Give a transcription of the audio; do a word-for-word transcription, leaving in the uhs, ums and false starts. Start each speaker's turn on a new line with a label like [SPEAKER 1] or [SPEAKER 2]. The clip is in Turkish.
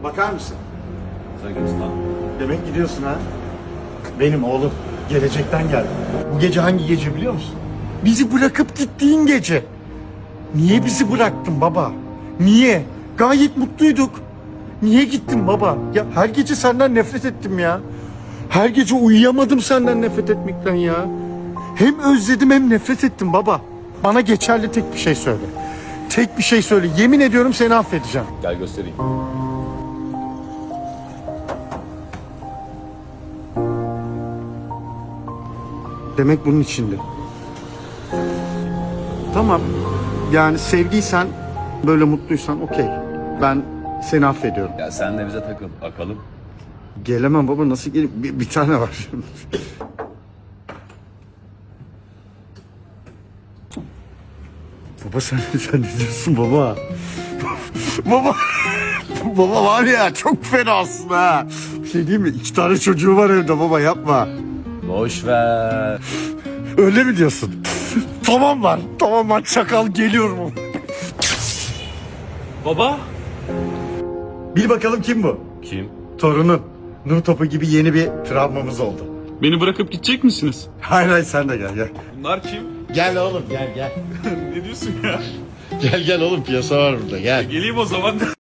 [SPEAKER 1] Bakar mısın?
[SPEAKER 2] Sen gidiyorsun lan.
[SPEAKER 1] Demek gidiyorsun ha? Benim oğlum. Gelecekten geldim. Bu gece hangi gece biliyor musun? Bizi bırakıp gittiğin gece. Niye bizi bıraktın baba? Niye? Gayet mutluyduk. Niye gittin baba? Ya her gece senden nefret ettim ya. Her gece uyuyamadım senden nefret etmekten ya. Hem özledim hem nefret ettim baba. Bana geçerli tek bir şey söyle. Tek bir şey söyle. Yemin ediyorum seni affedeceğim.
[SPEAKER 2] Gel göstereyim.
[SPEAKER 1] Demek bunun içinde. Tamam. Yani sevdiysen, böyle mutluysan okey. Ben seni affediyorum.
[SPEAKER 2] Ya sen de bize takıl bakalım.
[SPEAKER 1] Gelemem baba, nasıl geleyim? Bir, bir tane var. Baba sen, sen ne diyorsun baba? Baba. Baba var ya, çok fenasın ha. Bir şey diyeyim mi? İki tane çocuğu var evde baba, yapma.
[SPEAKER 2] Boş ver.
[SPEAKER 1] Öyle mi diyorsun? Tamam lan. Tamam lan, çakal geliyorum.
[SPEAKER 3] Baba?
[SPEAKER 1] Bil bakalım kim bu?
[SPEAKER 2] Kim?
[SPEAKER 1] Torunun. Nur topu gibi yeni bir travmamız oldu.
[SPEAKER 3] Beni bırakıp gidecek misiniz?
[SPEAKER 1] Hayır hayır, sen de gel gel.
[SPEAKER 3] Bunlar kim?
[SPEAKER 1] Gel oğlum, gel gel.
[SPEAKER 3] Ne diyorsun ya?
[SPEAKER 1] Gel gel oğlum, piyasa var burada, gel.
[SPEAKER 3] Geleyim o zaman.